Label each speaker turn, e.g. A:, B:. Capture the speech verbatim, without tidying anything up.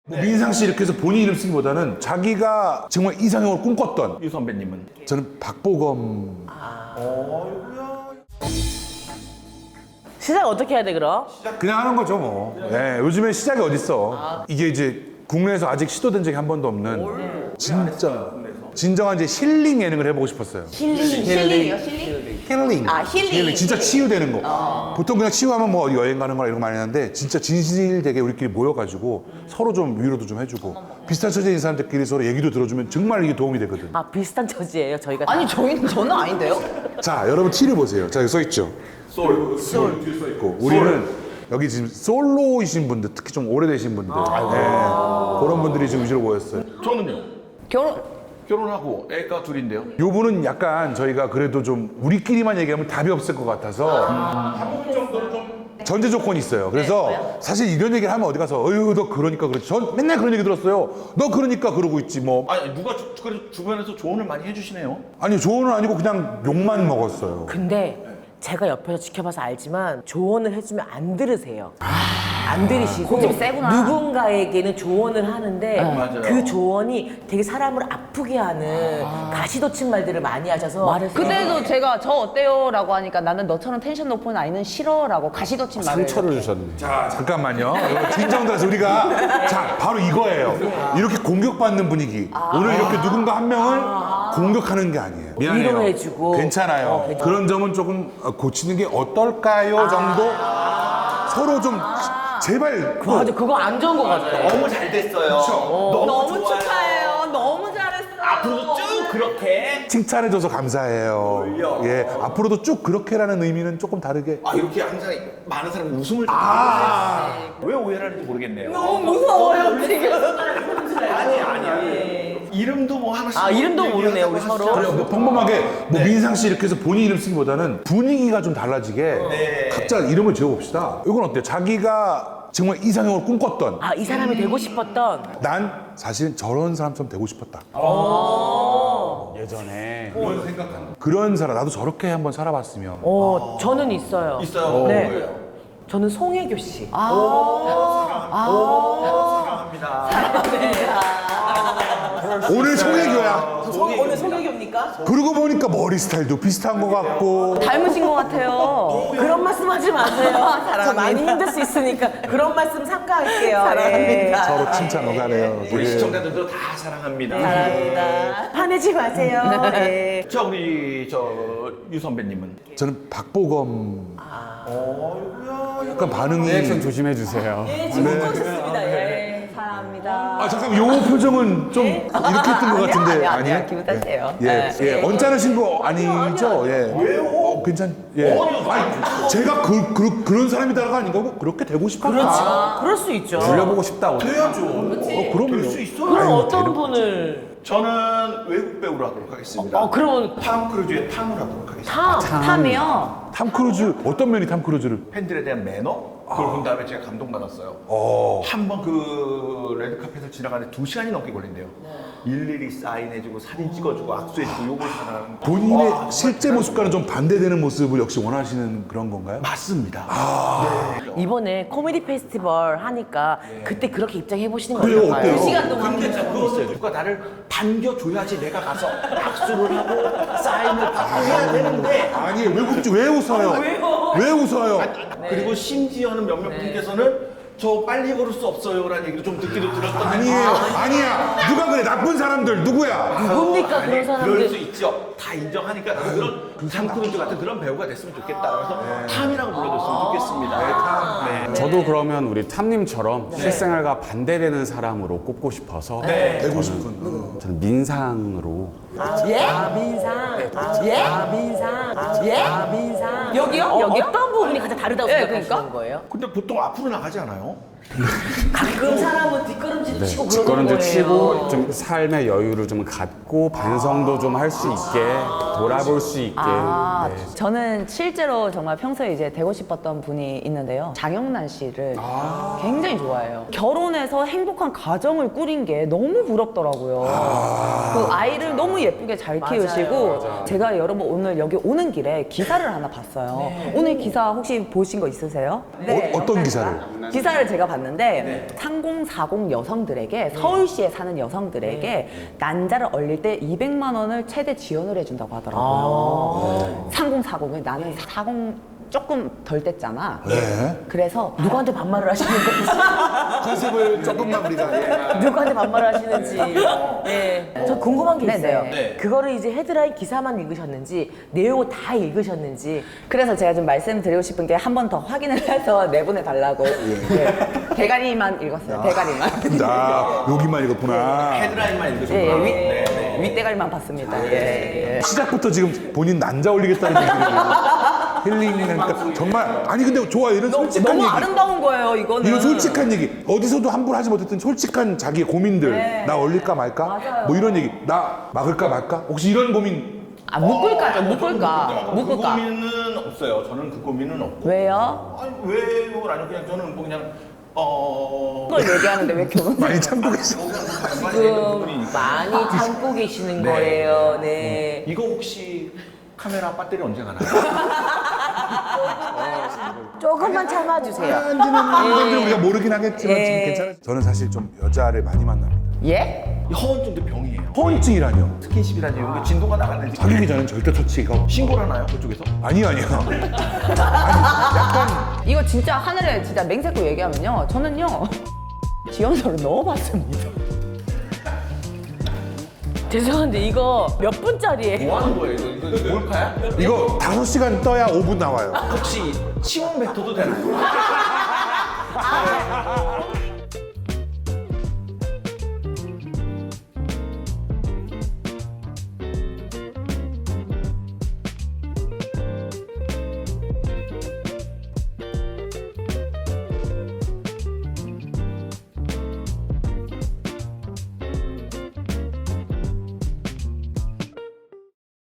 A: 뭐 민상 씨 이렇게 해서 본인 이름 쓰기보다는 자기가 정말 이상형을 꿈꿨던.
B: 유 선배님은?
A: 저는 박보검.
C: 시작 어떻게 해야 돼 그럼?
A: 그냥 하는 거죠 뭐. 예, 요즘에 시작이 어딨어. 이게 이제 국내에서 아직 시도된 적이 한 번도 없는 진짜 진정한 이제 힐링 예능을 해보고 싶었어요.
C: 힐링.
D: 힐링이요, 힐링?
A: 힐링.
C: 아, 힐링.
A: 진짜
C: 힐링.
A: 치유되는 거. 보통 그냥 치유하면 뭐 어디 여행 가는 거나 이런 거 많이 하는데 진짜 진실되게 우리끼리 모여가지고 서로 좀 위로도 좀 해주고 비슷한 처지인 사람들끼리 서로 얘기도 들어주면 정말 이게 도움이 되거든.
C: 아 비슷한 처지예요 저희가. 다.
D: 아니, 저희는, 저는 아닌데요?
A: 자, 여러분 티를 보세요. 자, 여기 써있죠?
B: 솔.
A: 솔. 뒤에 써있고. 우리는 여기 지금 솔로이신 분들, 특히 좀 오래되신 분들. 네. 그런 분들이 지금 위주로 모였어요.
B: 저는요.
D: 결혼,
B: 결혼하고 애가 둘인데요.
A: 요 분은 약간 저희가 그래도 좀 우리끼리만 얘기하면 답이 없을 것 같아서 한 분 정도는 좀 전제 조건이 있어요. 그래서 사실 이런 얘기를 하면 어디 가서 어휴 너 그러니까 그렇지. 전 맨날 그런 얘기 들었어요. 너 그러니까 그러고 있지 뭐.
B: 아니 누가 주, 그 주변에서 조언을 많이 해주시네요.
A: 아니 조언은 아니고 그냥 욕만 먹었어요.
C: 근데 제가 옆에서 지켜봐서 알지만 조언을 해주면 안 들으세요. 안 들으시고
D: 고집이 세구나.
C: 누군가에게는 조언을 하는데
B: 맞아요.
C: 그 조언이 되게 사람을 아프게 하는 가시돋친 말들을 많이 하셔서
D: 그때도 제가 저 어때요? 라고 하니까 나는 너처럼 텐션 높은 아이는 싫어. 라고 가시돋친 말을.
E: 상처를 주셨네.
A: 자 잠깐만요. 이거 진정돼서 우리가 자 바로 이거예요. 이렇게 공격받는 분위기. 오늘 이렇게 누군가 한 명을 공격하는 게 아니에요. 미안해요.
C: 위로해주고.
A: 괜찮아요.
C: 어, 괜찮아요.
A: 그런 점은 조금 고치는 게 어떨까요 정도. 서로 좀 제발 그
C: 맞아 그거 안 좋은 것 같아.
B: 너무 잘 됐어요. 너무,
D: 너무
B: 좋아요.
D: 축하해요. 너무 잘했어.
B: 앞으로도 쭉 그렇게.
A: 칭찬해줘서 감사해요.
B: 어울려.
A: 예, 앞으로도 쭉 그렇게라는 의미는 조금 다르게.
B: 아 이렇게 항상 많은 사람이 웃음을.
A: 아,
B: 왜 오해를 하는지 모르겠네요.
D: 너무 무서워요, 지금.
B: 아니 아니야. 이름도 뭐 하나씩.
C: 아, 이름도 모르네요, 우리
B: 하시죠.
C: 서로.
A: 그래요. 뭐 평범하게 뭐 민상 씨 이렇게 해서 본인 이름 쓰기보다는 분위기가 좀 달라지게
B: 네.
A: 각자 이름을 지어봅시다. 이건 어때요? 자기가 정말 이상형을 꿈꿨던.
C: 아 이 사람이 되고 싶었던.
A: 난 사실은 저런 사람처럼 되고 싶었다.
E: 예전에
A: 그런 생각하는. 그런 사람 나도 저렇게 한번 살아봤으면.
C: 어 저는 있어요.
B: 있어요.
C: 네.
B: 뭐예요?
C: 저는 송혜교 씨.
A: 오늘 송혜교야.
C: 오늘 송혜교입니까?
A: 그러고 보니까 머리 스타일도 비슷한 것 같고.
D: 닮으신 것 같아요.
C: 그런 말씀하지 마세요. 저 많이 힘들 수 있으니까 그런 말씀 삼가할게요. 사랑합니다.
A: 서로 칭찬 오가네요.
B: 우리
A: 되게.
B: 시청자들도 다 사랑합니다.
C: 사랑합니다. 화내지 마세요. 네.
B: 자 우리 저 유 선배님은?
A: 저는 박보검. 약간 반응이.
E: 리액션 조심해 주세요.
C: 예, 지금 웃고 있었습니다. 예.
D: 사랑합니다.
A: 아 잠깐 요 표정은 좀 이렇게 했던 것 같은데
D: 아니야, 아니야.
A: 아니에요?
D: 기분 탓이에요.
A: 예,
D: 네.
A: 예, 언짢으신 거 아니죠? 예. 왜요? 어, 괜찮. 예. 아니, 제가 그, 그 그런 사람이다가 아닌가? 뭐 그렇게 되고 싶다.
C: 그렇죠. 그럴 수 있죠.
E: 불려보고 싶다고.
B: 돼야죠.
A: 어, 그럼요.
B: 될 수 있어요.
C: 그럼
A: 아유,
C: 어떤
A: 데려-
C: 분을?
B: 저는 외국 배우로 하도록 하겠습니다.
C: 어, 그러면
B: 탐 크루즈의 탐을 하도록 하겠습니다.
C: 탐.
D: 탐이요?
A: 탐 크루즈 어떤 면이 탐 크루즈를?
B: 팬들에 대한 매너? 그걸 본 다음에 제가 감동받았어요.
A: 어.
B: 한 번 그 레드카펫을 지나가는데 두 시간이 넘게 걸린대요. 일일이 사인해주고 사진 찍어주고 악수해주고 요걸 하는.
A: 본인의
B: 와,
A: 실제 모습과는 좀 반대되는 모습을 역시 원하시는 그런 건가요?
B: 맞습니다.
C: 이번에 코미디 페스티벌 하니까 그때 그렇게 입장해 보시는 거
A: 그래요,
C: 어떨까요?
A: 어때요?
C: 두 시간 동안.
B: 근데 참 그거 누가 나를 반겨줘야지 내가 가서 악수를 하고 사인을 받고 해야 되는데
A: 아니 외국지 왜 웃어요? 왜 웃어요?
B: 그리고 심지어는 몇몇 분께서는 저 빨리 걸을 수 없어요라는 얘기를 좀 듣기도 들었던
A: 아니에요, 아니야. 누가 그래? 나쁜 사람들 누구야?
C: 누굽니까 그런
B: 그럴 수
C: 사람들?
B: 있죠. 다 인정하니까 나도 그런 탐크루즈 같은 그런 배우가 됐으면 좋겠다. 그래서 탐이라고 불러줬으면 좋겠습니다. 네.
E: 저도 그러면 우리 탐님처럼 실생활과 반대되는 사람으로 꼽고 싶어서
A: 되고 싶은.
E: 저는 민상으로.
C: 예? 아 민상. 예? 아 민상. 예? 아 민상. 여기요? 어,
D: 여기요?
C: 어떤 부분이 가장 다르다고
D: 예,
C: 생각하시는
D: 그러니까?
C: 거예요?
B: 근데 보통 앞으로 나가지 않아요?
C: 가끔 사람은 뒷걸음질 치고 그러는
E: 뒷걸음질
C: 거예요.
E: 치고 좀 삶의 여유를 좀 갖고 반성도 좀 할 수 있게 돌아볼 수 있게.
D: 아,
E: 네.
D: 저는 실제로 정말 평소에 이제 되고 싶었던 분이 있는데요. 장영란 씨를 굉장히 좋아해요. 결혼해서 행복한 가정을 꾸린 게 너무 부럽더라고요. 그 아이를 너무 예쁘게 잘 키우시고 제가 여러분 오늘 여기 오는 길에 기사를 하나 봤어요. 오늘 기사 혹시 보신 거 있으세요?
A: 어, 어떤 기사를?
D: 기사를 제가 봤는데 삼공사공 여성들에게 서울시에 사는 여성들에게 난자를 얼릴 때 이백만 원을 최대 지원을 해준다고 하더라고요. 삼공사공은 나는 사공 조금 덜 뗐잖아.
A: 네.
D: 그래서
C: 누구한테 반말을 하시는 건지.
A: 컨셉을 조금만 우리가.
C: 누구한테 반말을 하시는지. 네. 저 궁금한 게
D: 네,
C: 있어요.
D: 네.
B: 네.
C: 그거를 이제 헤드라인 기사만 읽으셨는지 내용을 다 읽으셨는지.
D: 그래서 제가 좀 말씀드리고 싶은 게 한 번 더 확인을 해서 내보내 달라고. 네. 대가리만 읽었어요. 대가리만.
A: 아, 여기만 읽었구나.
B: 헤드라인만 읽으셨구나.
D: 예, 예, 윗,
B: 네, 네.
D: 윗대가리만 봤습니다. 예, 예.
A: 시작부터 지금 본인 난자 올리겠다는 얘기를 힐링하니까 정말 아니 근데 좋아 이런 솔직한
D: 너무
A: 얘기.
D: 아름다운 거예요, 이거는.
A: 이런 솔직한 얘기 어디서도 함부로 하지 못했던 솔직한 자기의 고민들
D: 네.
A: 나 얼릴까 말까
D: 맞아요.
A: 뭐 이런 얘기 나 막을까 말까 혹시 이런 고민
D: 아, 묶을까죠, 묶을까.
B: 그
D: 묶을까.
B: 고민은 없어요. 저는 그 고민은 없고.
D: 왜요?
B: 아니 왜요? 아니 그냥 저는 뭐 그냥 어.
D: 그걸 얘기하는데 왜 결혼?
A: 많이 참고 계셔.
C: 지금 많이 참고 계시는 거예요. 네.
B: 이거 혹시 카메라 배터리 언제 가나요?
C: 조금만 참아주세요.
A: 한지는 우리가 모르긴 하겠지만
C: 예.
A: 지금 괜찮아요. 저는 사실 좀 여자를 많이 만납니다.
D: 예?
B: 허언증도 병이에요.
A: 허언증이라뇨.
B: 스킨십이라든지 이런 게 진도가 나가는지
A: 사귀기 전엔 절대 터치가
B: 신고를 하나요? 그쪽에서?
A: 아니요 아니요.
D: 이거 진짜 하늘에 진짜 맹세코 얘기하면요. 저는요. 지원서를 넣어봤습니다.
C: 죄송한데 이거 몇 분짜리예요?
B: 뭐 하는 거예요? 이거, 이거 몰카야?
A: 이거 다섯 시간 떠야 오 분 나와요.
B: 혹시 치원 뱉어도 되나요?